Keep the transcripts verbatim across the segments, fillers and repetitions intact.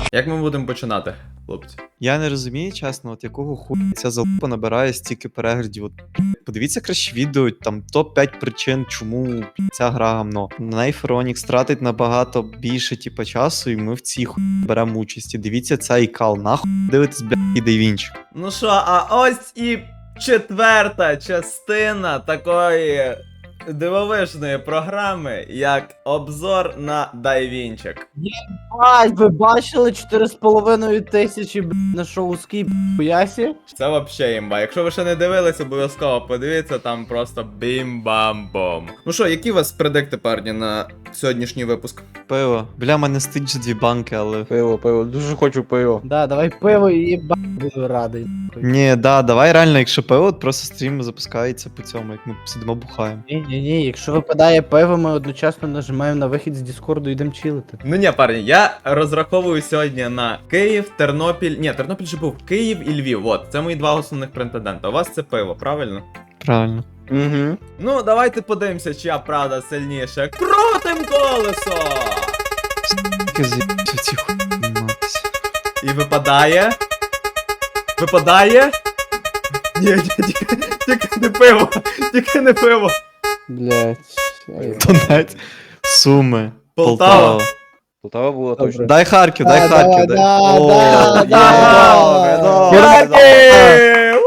Як ми будемо починати, хлопці? Я не розумію, чесно, от якого хуя ця залупа набирає стільки переглядів. От, подивіться краще відео, там топ п'ять причин, чому ця гра гамно. На неї Феронікс тратить набагато більше типу, часу, і ми в цій хуй беремо участь. І дивіться цей кал, нахуй дивитесь, блядь, і Дайвінчик. Ну що, а ось і четверта частина такої дивовижної програми, як обзор на Дайвінчик. Ай, ви бачили чотири з половиною тисячі б, на шоу Скіп Ясі? Це вообще імба. Якщо ви ще не дивились, обов'язково подивіться, там просто бім-бам-бом. Ну що, які у вас предикти, парні, на сьогоднішній випуск? Пиво. Бля, мене стить дві банки, але. Пиво, пиво, дуже хочу пиво. Да, давай пиво і ба буду радий. Ні, да, давай реально, якщо пиво, от просто стрім запускається по цьому, як ми сидимо бухаємо. Ні, ні, ні, якщо випадає пиво, ми одночасно нажимаємо на вихід з Діскорду і йдемо чилити. Ну ні, парні, я розраховую сьогодні на Київ, Тернопіль. Ні, Тернопіль же був Київ і Львів. От, це мої два основних претендента. У вас це пиво, правильно? Правильно. Угу. Ну, давайте подивимося, чия правда сильніша. Крутим колесо! Тільки з'їбався в ці хуй матися. І випадає. Випадає. Ні, ні, тільки, тільки не пиво. Тільки не пиво. Блять. Донець. Суми. Полтава. Полтава була Добре. точно. Дай Харків, дай Да, Харків, да, дай. да, О, да, є, да. добре, добре, добре. Харків!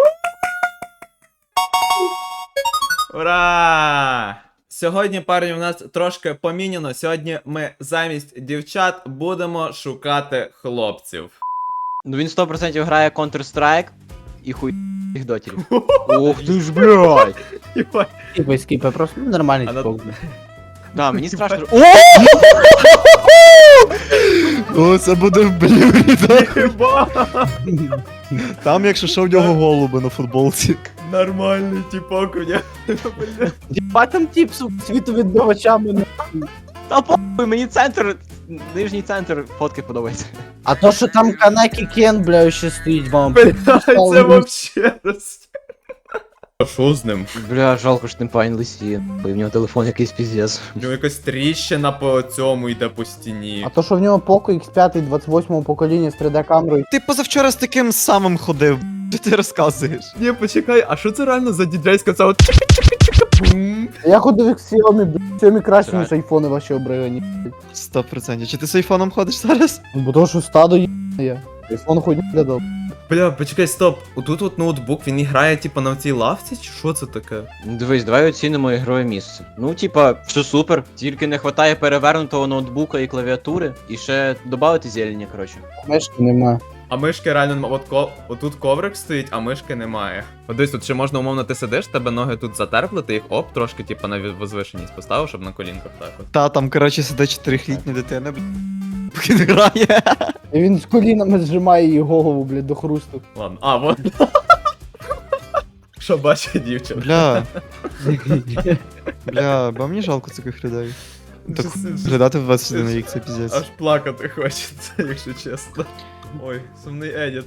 Ура! Сьогодні, парні, у нас трошки поміняно. Сьогодні ми замість дівчат будемо шукати хлопців. Ну він сто відсотків грає Counter-Strike і хуй їх дотерів. Ох ти ж, блядь! Єбать. Скіпай, скіпай, просто ну, нормальний А на- типок. Да, мені страшно. О, це буде в блюрі, так? Єбать. Там, якщо що, в нього голуби на футболці. Нормальний типок у нього. Діба там тіп су світовідбивачами. Та похуй, мені центр, нижній центр фотки подобається. А то, що там Канекі Кен, бля, ще стоїть вам. Це вообще роз... Що з ним? Бля, жалко, що тимпайн лисі. В нього телефон якийсь піздец. У нього якась тріщина по цьому йде по стіні. А то, що в нього Poco ікс п'ять двадцять восьмого покоління з три дэ камерою. Ти позавчора з таким самим ходив. Що ти розказуєш? Ні, почекай, а що це реально за діджейська ця от чика-чика-чика-бум? Я ходив як Xiaomi, бля, Xiaomi краще, Так. ніж айфони ваші обригані. Сто процентів. Чи ти з айфоном ходиш зараз? Ну, бо то, що стадо є. я. Айфон хоч не глядав. Бля, почекай, стоп. Отут от ноутбук, він і грає, типа, на цій лавці, чи що це таке? Ну, дивись, давай оцінимо ігрове місце. Ну, типа, все супер, тільки не вистачає перевернутого ноутбука і клавіатури, і ще додати зелені, коротше. Мешки нема. А мишки реально нема. От ко... отут коврик стоїть, а мишки немає. От десь тут ще можна, умовно, ти сидиш, тебе ноги тут затерпли, ти їх оп, трошки, типа, на возвишеність поставив, щоб на колінках так от. Та, там, коротше, сидить чотирилітня дитина, бля. Поки не грає. І він з колінами зжимає її голову, блядь, до хрусту. Ладно, а, вот. Що бачить дівчина? Бля. Бля, бо мені жалко таких людей. Так глядати в двадцять один рік, це Аж піздець. плакати хочеться, якщо чесно. Ой, сумний едіт.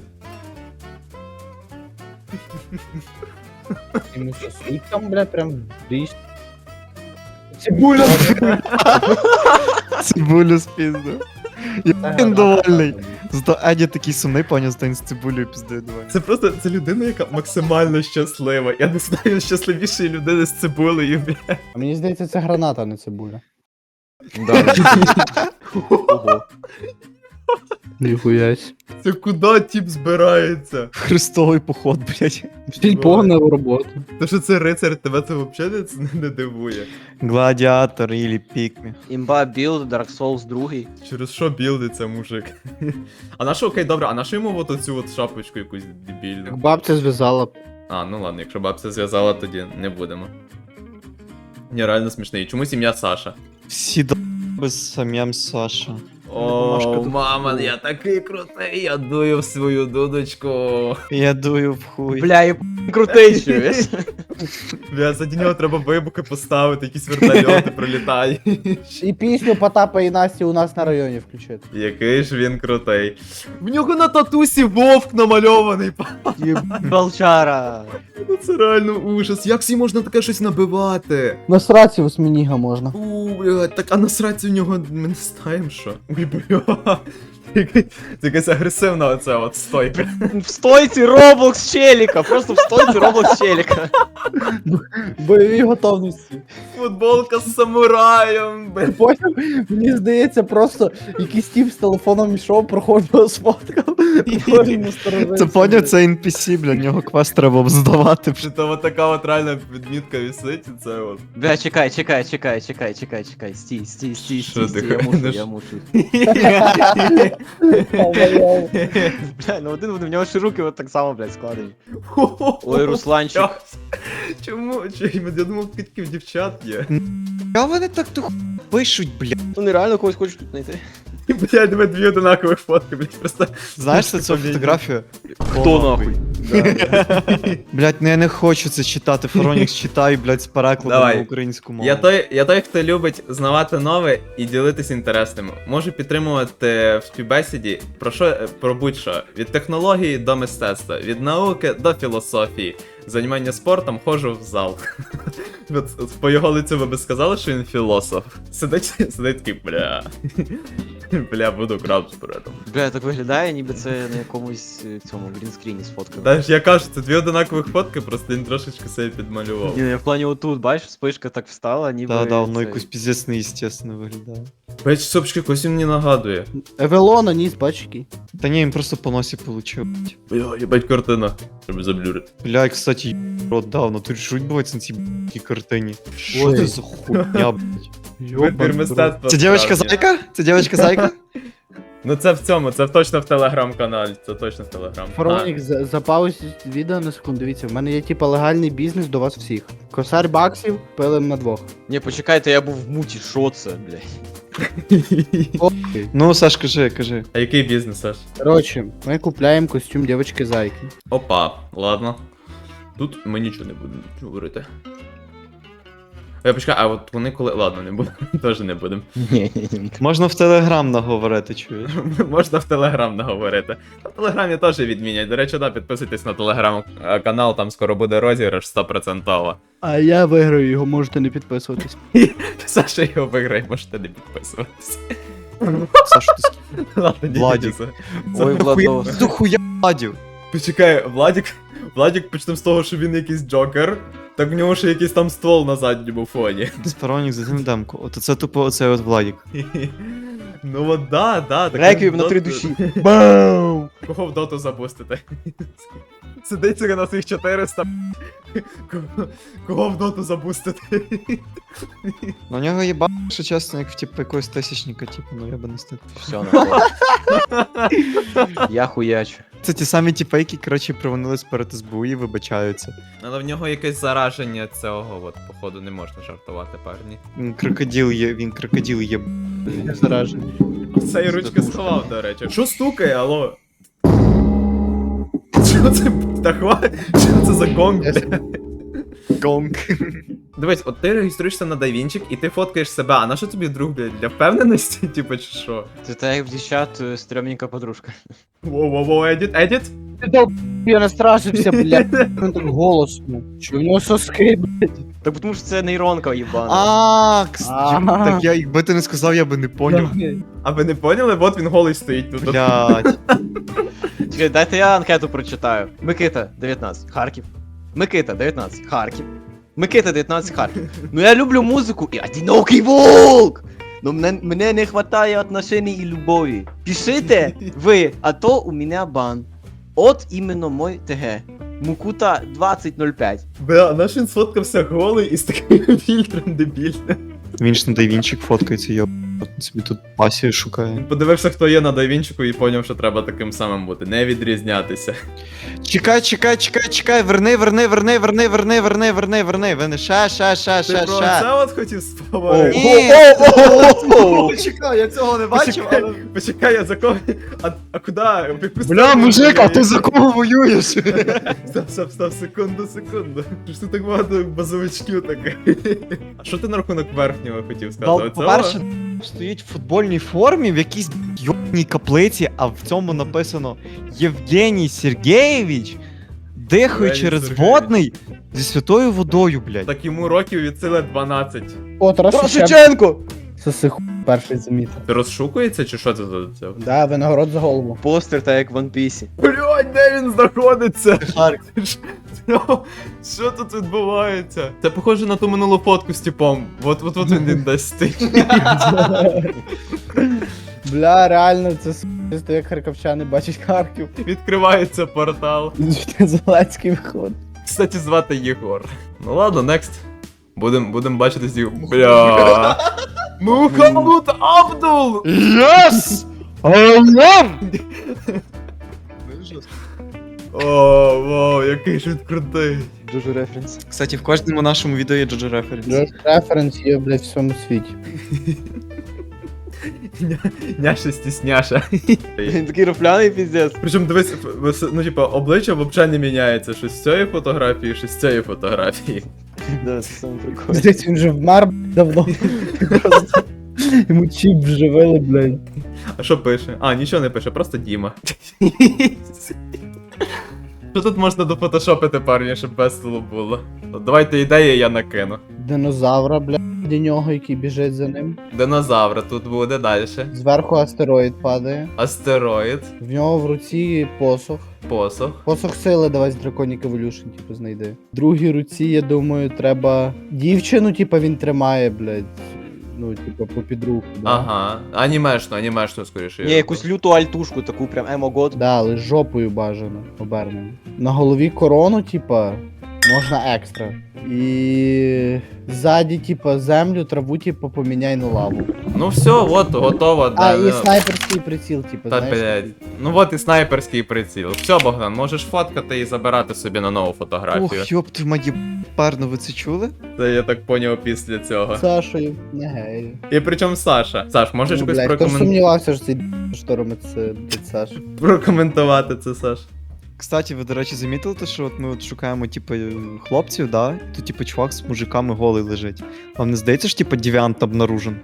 Йому що, світ там, блядь, прям річ. Цибуля! Цибулю спіздив. Я він довольний. Зато Еді такий сумний, поняв, стань з цибулею піздою довольний. Це просто, це людина, яка максимально щаслива. Я не знаю щасливішої людини з цибулею, бля. А мені здається, це граната, а не цибуля. Да. Ого. Ніхуясь. Це куди тіп збирається? Хрестовий поход, блядь. Стіль погнав роботу. То, що це рицар, тебе це взагалі не, не дивує. Гладіатор ілі пікмі. Імба білд, Dark Souls два. Через що білдиться мужик? А на що, окей, добре, а на що йому от оцю от шапочку якусь дебільну? Бабця зв'язала. А, ну ладно, якщо бабця зв'язала, тоді не будемо. Ні, реально смішний. Чому сім'я Саша? Всі до**би з самим Саша. Машка О, тут. мама, я такий крутий, я дую в свою дудочку. Я дую в хуй. Бля, і крутий чуєш? Бля, заді нього треба вибухи поставити, якісь вертольоти пролітають. І пісню Потапа і Насті у нас на районі включити. Який ж він крутий. В нього на татусі вовк намальований. Волчара. Ну це реально ужас. Як всі можна таке щось набивати? На сраці восьминіга можна. У, блядь, так а насрать у нього ми не знаємо що. Ой, бля. Це якась агресивна оця от стойка. В стойці Роблокс челіка, просто в стойці Роблокс челіка. Бойові готовності. Футболка з самураєм, Ти блін. поняв? Мені здається, просто якийсь тіп з телефоном йшов, проходив, сфоткав. і потім насторожився, Це поняв, блядь. це ен пі сі, бля, нього квест треба б здавати. Чи то от така от реальна відмітка висить, і це от. Бля, чекай, чекай, чекай, чекай, чекай, чекай, стій, стій, стій, Що стій, ти стій, я мушу, ходиш? я мушу. Ой-ой-ой. Бля, ну один в нього ще руки от так само, блядь, складені. Ой, Русланчик. Чому? Чи я думав, тільки в дівчат є. А вони так ту пишуть, бля. Ну нереально когось хочеш тут знайти. Блядь, тебе дві одинакових фотки, блядь, просто. Знаєш це цю фотографію? Хто нахуй? Блять, ну я не хочу це читати. Фаронікс читай, блять, з перекладом Давай. на українську мову. Я той, я той, хто любить знавати нове і ділитись інтересним. Можу підтримувати в співбесіді про що про будь-що. Від технології до мистецтва, від науки до філософії. Займання спортом ходжу в зал. От по його лицю ви би сказали, що він філософ. Сидить, сидить такий, бля. Бля, буду краб з бредом. Бля, так виглядає, ніби це на якомусь е, цьому грінскріні сфоткано. Та ж я кажу, це дві одинакових фотки, просто він трошечки себе підмалював. Ні, я в плані отут, бачиш, спишка так встала, ніби... Да, да, воно цей- якось піздець неестественно виглядає. Бач, сопчики, когось він мені нагадує. Евелона, ніс, бач який. Та ні, він просто по носі получив. Бля, їбать картина. Щоб заблюрити. Бля, кстати, й- рот давно. Тут ж відбувається на цій б***й картині. Що Ой. це за хуйня, блядь? Вибір мистецтва. Це дівчинка справді. зайка? Це дівчинка зайка? Ну це в цьому, це точно в телеграм-каналі, це точно в телеграм. Фаронік, за- запаузіть відео на секунду. Дивіться, в мене є типа легальний бізнес до вас всіх. Косарь баксів, пилим на двох. Ні, почекайте, я був в муті, що це, блядь? Окей. Ну, Саш, кажи, кажи. А який бізнес, Саш? Коротше, ми купляємо костюм дівчинки зайки. Опа, ладно. Тут ми нічого не будемо говорити. Я почекай, а от вони коли. Ладно, не будемо, теж не будемо. Ні, ні, ні. Можна в телеграм наговорити, чуєш? Можна в телеграм наговорити. На телеграмі теж відмінять. До речі, да, підписуйтесь на телеграм-канал, там скоро буде розіграш сто відсотків. А я виграю його, можете не підписуватись. Саша його виграє, можете не підписуватися. Саш, ти с- Ладно, ні, Владік. ні, це- це- Ой, Владос. Ти хуя Владів. Почекай, Владік. Владік почнемо з того, що він якийсь джокер. Так в нього ще якийсь там ствол на задньому фоні. Фаронік, затим демку. От це тупо оцей от Владік. Ну от да, да. так Реквієм він на в три доту- душі. Бам! Кого в доту запустити? Сидить собі на цих чотириста. Кого, кого в доту запустити? Ну, у нього є ба, що чесно, як в типу якогось тисячника, типу, ну я би не став. Все, нахуй. Я хуячу. Це ті самі типи, які, коротше, провинились перед ес бе у і вибачаються. Але в нього якесь зараження цього, от, походу, не можна жартувати, парні. Він крокодил є, він крокодил є. Я заражений. Цей ручки сховав, до речі. Що стукає, алло? Що це птахва? Що це за гонг, бля? Гонг. Дивись, от ти реєструєшся на DaVinci і ти фоткаєш себе, а на що тобі друг, блядь, для впевненості, типу, чи що? Це так як в дівчат е, стрьомненька подружка. Воу-воу-воу, едіт, едіт? Ти дов... Я настрашився, блядь. Він так голосно. Чи в нього соски, блядь? Так тому що це нейронка їбана. А, кс- Ага. так я, якби ти не сказав, я би не поняв. А ви не поняли? От він голий стоїть тут. Блядь. Чекай, дайте я анкету прочитаю. Микита, дев'ятнадцять, Харків. Микита, дев'ятнадцять, Харків. Микита, дев'ятнадцять, Харків. Ну я люблю музику і одинокий волк! Ну мене, мене не хватає отношений і любові. Пишите ви, а то у мене бан. От іменно мой ТГ. Мукута двадцять нуль п'ять. Бля, наш він сфоткався голий і з таким фільтром дебільним. Він ж на дайвінчик фоткається, йо. От собі тут пасію шукає. Подивився, хто є на DaVinci і поняв, що треба таким самим бути, не відрізнятися. Чекай, чекай, чекай, чекай, верни, верни, верни, верни, верни, верни, верни, верни, верни, ша, ша, ша, Ти ша, про ша. це от хотів споворити? Ні. О-о-о-о-о! Чекай, я цього не Почекай, почекай, я за кого? А, а куди? В яку Бля, сторону мужик, а ти воюєш? за кого воюєш? Стоп, стоп, стоп, секунду, секунду. Що ж ти так багато базовичків таке? А що ти на рахунок верхнього хотів сказати? Ну, Оцього? по-перше, стоїть в футбольній формі в якійсь йобній каплиці, а в цьому написано Євгеній Сергеєвич дихає Євгеній через Сергеєвич. водний зі святою водою, блядь. Так йому років від сили дванадцять. О, Тарас Шевченко. Тарасиченко! Соси ху... перший замітив. Ти розшукується чи що це за це? Да, винагород за голову. Постер та як в One Piece. Блядь, де він знаходиться? Харків. Що? Що тут відбувається? Це похоже на ту минулу фотку з типом. От от от він десь стоїть. Бля, реально, це с***сто, як харківчани бачать Харків. Відкривається портал. Зеленський виходить. Кстати, звати Єгор. Ну ладно, next. Будем, будем бачити з Єгором. Бля. Мухаммуд Абдул! Yes! О, вау, який ж він крутий. Дуже референс. Кстати, в кожному нашому відео є Джоджо референс. Джош референс є, блядь, в всьому світі. Ня- Няша стісняша. Він такий рофляний піздець. Причому дивись, в- ну типа обличчя взагалі не міняється. Щось з цієї фотографії, щось з цієї фотографії. Да, це саме прикольно. Здесь він вже вмер б**, давно. Просто йому чіп вживили, блядь. А що пише? А, нічого не пише, просто Діма. Що тут можна дофотошопити, парні, щоб весело було? От давайте ідеї, я накину. Динозавра, блядь, до нього, який біжить за ним. Динозавра тут буде далі. Зверху астероїд падає. Астероїд, В нього в руці посох. посох. Посох сили давай з Draconic Evolution, типу, знайди. В другій руці, я думаю, треба дівчину, типу, він тримає, блядь. Ну, типу, попід руку. Да? Ага. Анімешну, анімешну, скоріше. Ні, якусь люту альтушку, таку прям емо-год. Да, але з жопою бажано обернено. На голові корону, типа, можна екстра. І ззаді, типа, землю, траву, типа, поміняй на лаву. Ну все, от, готово. А, да, і ну. снайперський приціл, типа, Та знаєш. блядь. Ну от і снайперський приціл. Все, Богдан, можеш фоткати і забирати собі на нову фотографію. Ох, ёб твою мать, парно, ви це чули? Це я так поняв після цього. Сашою, не гей. І причому Саша. Саш, можеш Ну, якось блядь, хто ж прокомен... сумнівався, що цей шторм це, блядь, Саш. прокоментувати це, Саш? Кстати, ви, до речі, замітили те, що от ми от шукаємо, типу, хлопців, да? Тут, типу, чувак з мужиками голий лежить. Вам не здається, що, типу, девіант обнаружен?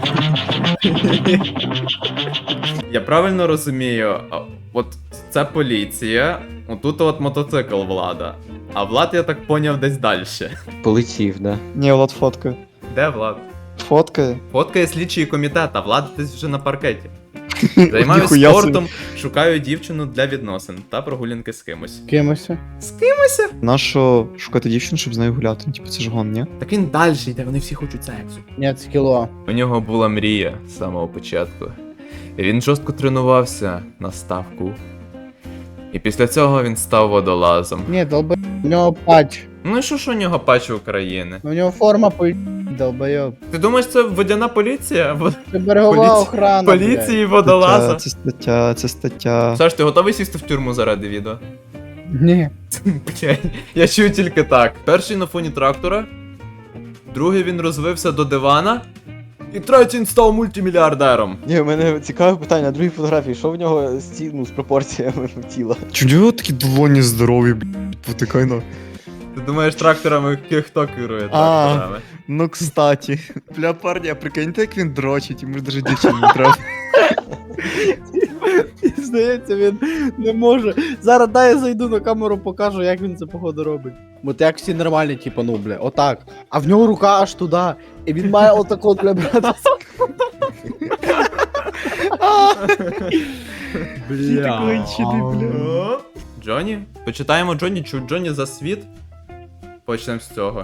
Я правильно розумію, а, от це поліція, отут от мотоцикл Влада. А Влад, я так поняв, десь далі. Полетів, да. Ні, Влад фоткає. Де Влад? Фоткає. Фоткає слідчий комітет, а Влад десь вже на паркеті. Займаюсь Ніхуя собі. спортом, шукаю дівчину для відносин та прогулянки з кимось. Кимося. З кимось? Нащо шукати дівчину, щоб з нею гуляти? Ну, типу, це ж гон, ні? Так він далі йде, вони всі хочуть сексу. Ні, це кіло. У нього була мрія з самого початку. І він жорстко тренувався на ставку. І після цього він став водолазом. Ні, долбай, у нього патч. Ну і що ж у нього патч України? У нього форма по долбайоб. Ти думаєш, це водяна поліція? Во- Це берегова Поліці- охрана, Поліції Стаття, водолаза? це стаття, це стаття. Саш, ти готовий сісти в тюрму заради відео? блядь. Ні. Блядь, я чую тільки так. Перший на фоні трактора, другий він розвився до дивана, і третій він став мультимільярдером. Ні, у мене цікаве питання на другій фотографії. Що в нього з, ці, ну, з пропорціями тіла? Чому у нього такі долоні здорові, блядь, потикай на. Ти думаєш, тракторами хто керує А. тракторами? Ну, кстати. Бля, парні, а прикиньте, як він дрочить, йому ж даже дівчину не треба. Здається, він не може. Зараз дай я зайду на камеру, покажу, як він це походу робить. Бо як всі нормальні, типу, ну, бля, отак. А в нього рука аж туди. І він має отак от, бля, брати. Бля. кончений, бля. О, Джонні? Почитаємо Джонні, чи Джонні за світ? Почнемо з цього.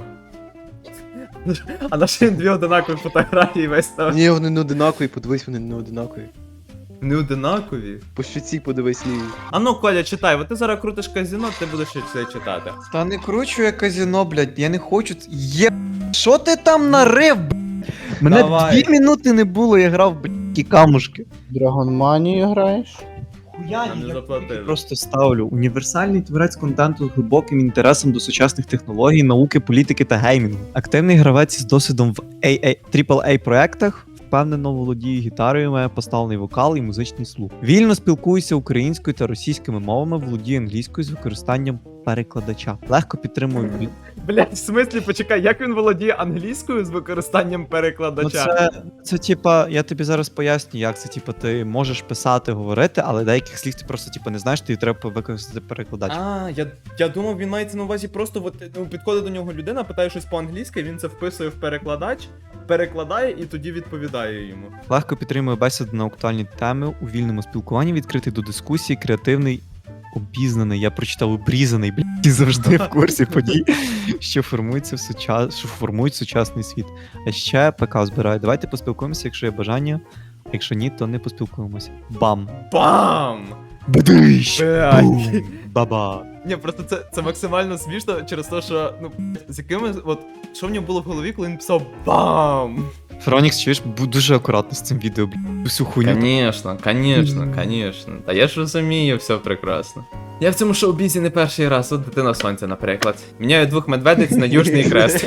А на що він дві одинакові фотографії весь там? Ні, вони не одинакові, подивись, вони не одинакові. Не одинакові? По щуці подивись лівій. А ну, Коля, читай, бо ти зараз крутиш казіно, ти будеш ще це читати. Та не кручу я казіно, блядь, я не хочу. ц- Є. Що ти там нарив, блядь? Мене Давай. дві минути не було, я грав, блядь, ті камушки. Драгонманію граєш? Нам не заплатили. Просто ставлю універсальний творець контенту з глибоким інтересом до сучасних технологій, науки, політики та геймінгу. Активний гравець із досвідом в трипл ей проектах. Впевнено володіє гітарою, має поставлений вокал і музичний слух. Вільно спілкується українською та російськими мовами, володіє англійською з використанням перекладача. Легко підтримую. від- Блять, в смислі, почекай, як він володіє англійською з використанням Ну, перекладача? це, це типа, я тобі зараз поясню, як це. Типа, ти можеш писати, говорити, але деяких слів ти просто типа не знаєш, тобі треба використати перекладач. А, я, я думав, він мається на увазі просто от, ну, підходить до нього людина, питає щось по-англійськи, він це вписує в перекладач, перекладає і тоді відповідає йому. Легко підтримує бесіди на актуальні теми у вільному спілкуванні, відкритий до дискусії, креативний, обізнаний, я прочитав обрізаний, блядь, і завжди в курсі подій, що формується в сучас... що формують сучасний світ. А ще ПК збирає. Давайте поспілкуємося, якщо є бажання. А якщо ні, то не поспілкуємося. Бам! Бам! Бадиш! Блядь. Бум! Баба! Ні, просто це, це максимально смішно через те, що, ну, з якими, от, що в нього було в голові, коли він писав БАМ! Фронікс, чуєш, будь дуже акуратно з цим відео, блядь, усю хуйню. Конечно, конечно, конечно. Та я ж розумію, все прекрасно. Я в цьому шоу-бізі не перший раз, от дитина сонця, наприклад. Міняю двох медведиць на южний крест.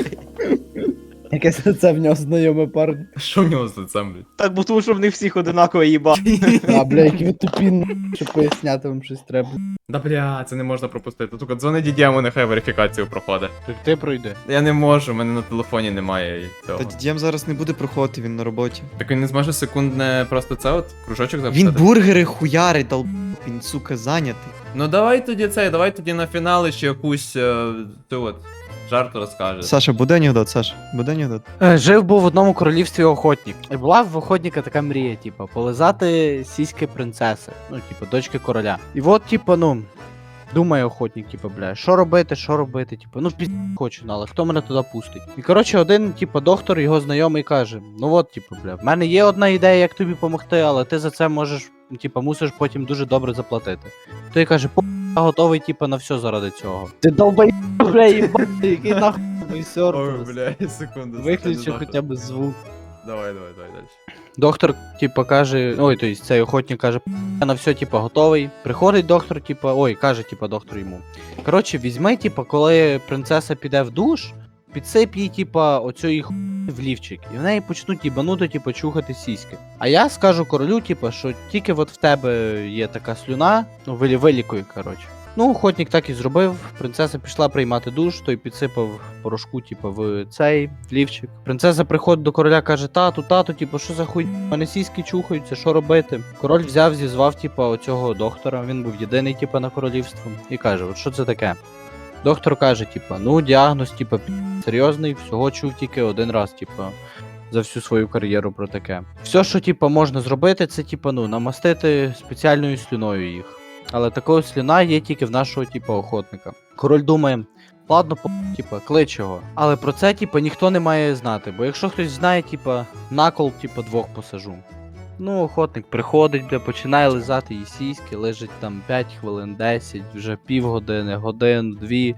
Якесь це в нього знайоме парні. Що в нього з лицем, блядь? Так, бо тому що в них всіх одинаково їба. А, бля, які ви тупі, н***, щоб поясняти вам щось треба. Да бля, це не можна пропустити. Тільки дзвони дідьому, нехай верифікацію проходить. Так ти пройди. Я не можу, в мене на телефоні немає цього. Та дідєм зараз не буде проходити, він на роботі. Так він не зможе секундне просто це от кружочок Він записати? бургери хуярить, дал... він, сука, зайнятий. Ну давай тоді цей, давай тоді на фінали ще якусь е, ту от жарт розкажеш. Саша, буде анекдот, Саша, буде анекдот. Е, Жив був в одному королівстві охотник. І була в охотника така мрія, типу, полизати сіськи принцеси. Ну, типу, дочки короля. І от, типу, ну, думає охотник, типу, бля, що робити, що робити, типу, ну пізд хочу, ну, але хто мене туди пустить? І коротше, один, типу, доктор, його знайомий каже: ну от, типу, бля, в мене є одна ідея, як тобі допомогти, але ти за це можеш, типу, мусиш потім дуже добре заплатити. Той каже: по я готовий, типу, на все заради цього. Ти долбай, бля, їбать, який нахуй Ой, сюрприз. бля, секунду. Виключи секунду, хоча б звук. Давай, давай, давай далі. Доктор, типа, каже, ой, то есть цей охотник каже: я на все, типа, готовий. Приходить доктор, типа, ой, каже, типа, доктор йому. Коротше, візьми, типа, коли принцеса піде в душ, підсип їй, типа, оцю їх в лівчик. І в неї почнуть їбанути, типа, чухати сіськи. А я скажу королю, типа, що тільки от в тебе є така слюна, ну, вилі, вилікуй, коротше. Ну, охотник так і зробив. Принцеса пішла приймати душ, той підсипав порошку, типу, в цей в лівчик. Принцеса приходить до короля, каже: тату, тату, типу, що за хуй? У мене сіськи чухаються, що робити? Король взяв, зізвав, типу, оцього доктора. Він був єдиний, типу, на королівстві. І каже: от що це таке? Доктор каже, типу, ну, діагноз, типу, серйозний, всього чув тільки один раз, типу, за всю свою кар'єру про таке. Все, що, типу, можна зробити, це, типу, ну, намастити спеціальною слюною їх. Але такого слюна є тільки в нашого, типу, охотника. Король думає: ладно, по, типу, клич його. Але про це, типу, ніхто не має знати, бо якщо хтось знає, типу, накол, типу, двох посажу. Ну, охотник приходить, де починає лизати її сіськи, лежить там п'ять хвилин, десять, вже півгодини, годин, дві.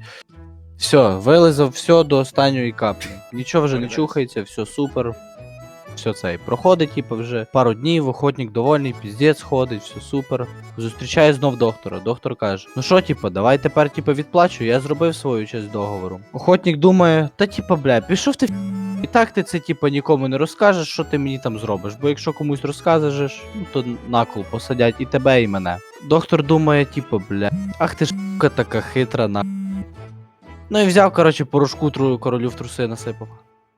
Все, вилизав все до останньої каплі. Нічого вже не чухається, все супер. Все це. Проходить, типу, вже пару днів, охотник довольний, піздець ходить, все супер. Зустрічає знов доктора. Доктор каже: ну що, типу, давай тепер, типу, відплачу, я зробив свою часть договору. Охотник думає: та типу, бля, пішов ти в... І так ти це, типу, нікому не розкажеш, що ти мені там зробиш. Бо якщо комусь розкажеш, ну то накол посадять і тебе, і мене. Доктор думає, типу, бля, ах ти ж ***ка така хитра, на. Ну і взяв, коротше, порошку тру... королю в труси насипав.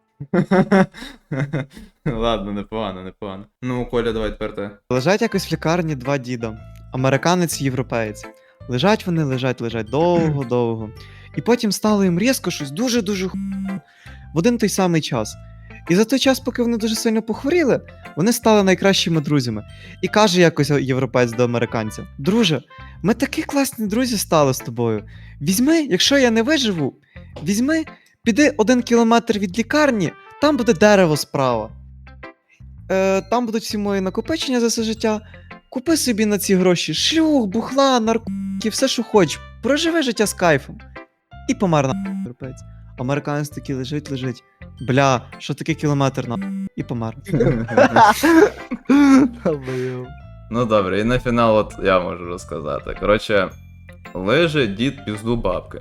Ладно, непогано, непогано. Ну, Коля, давай тепер ти. Лежать якось в лікарні два діда. Американець і європеєць. Лежать вони, лежать, лежать довго-довго. І потім стало їм різко щось дуже-дуже ху... в один той самий час. І за той час, поки вони дуже сильно похворіли, вони стали найкращими друзями. І каже якось європеєць до американця: друже, ми такі класні друзі стали з тобою. Візьми, якщо я не виживу, візьми, піди один кілометр від лікарні, там буде дерево справа. Е, там будуть всі мої накопичення за все життя. Купи собі на ці гроші шлюх, бухла, наркотики, все, що хочеш. Проживи життя з кайфом. І помер на європеєць. Американець такий лежить, лежить. Бля, що таке кілометр на і помер. Ну добре, і на фінал от я можу розказати. Коротше, лежить дід пізду бабки.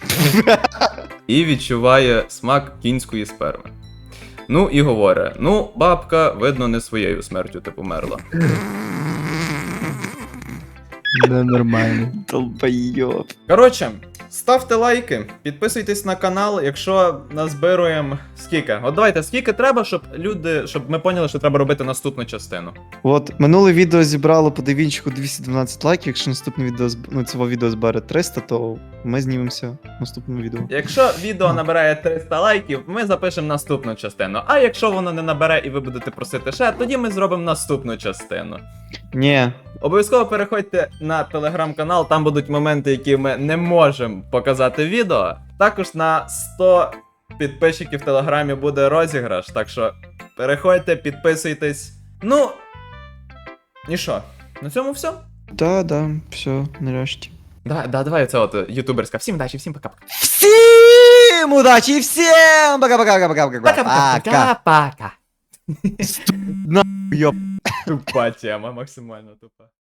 І відчуває смак кінської сперми. Ну і говорить: ну, бабка, видно, не своєю смертю ти померла. Ненормально. Долбойоб. Коротше, Ставте лайки, підписуйтесь на канал, якщо назбируємо скільки. От давайте, скільки треба, щоб люди, щоб ми поняли, що треба робити наступну частину. От, минуле відео зібрало по девінчику двісті дванадцять лайків, якщо наступне відео, зб- ну, цього відео збере триста, то ми знімемося в наступному відео. Якщо відео набирає триста лайків, ми запишемо наступну частину. А якщо воно не набере і ви будете просити ще, тоді ми зробимо наступну частину. Ні, Обов'язково переходьте на телеграм-канал, там будуть моменти, які ми не можемо показати в відео. Також на сто підписчиків в телеграмі буде розіграш, так що переходьте, підписуйтесь. Ну. І що? На цьому все? да, да, все, нарешті. Давай, да, давай це от ютуберська. Всім удачі, всім пока-пока. Всім удачі і всім пока-пока-пока-пока. Пока-пока. Йоп. Тупа тема, максимально тупа.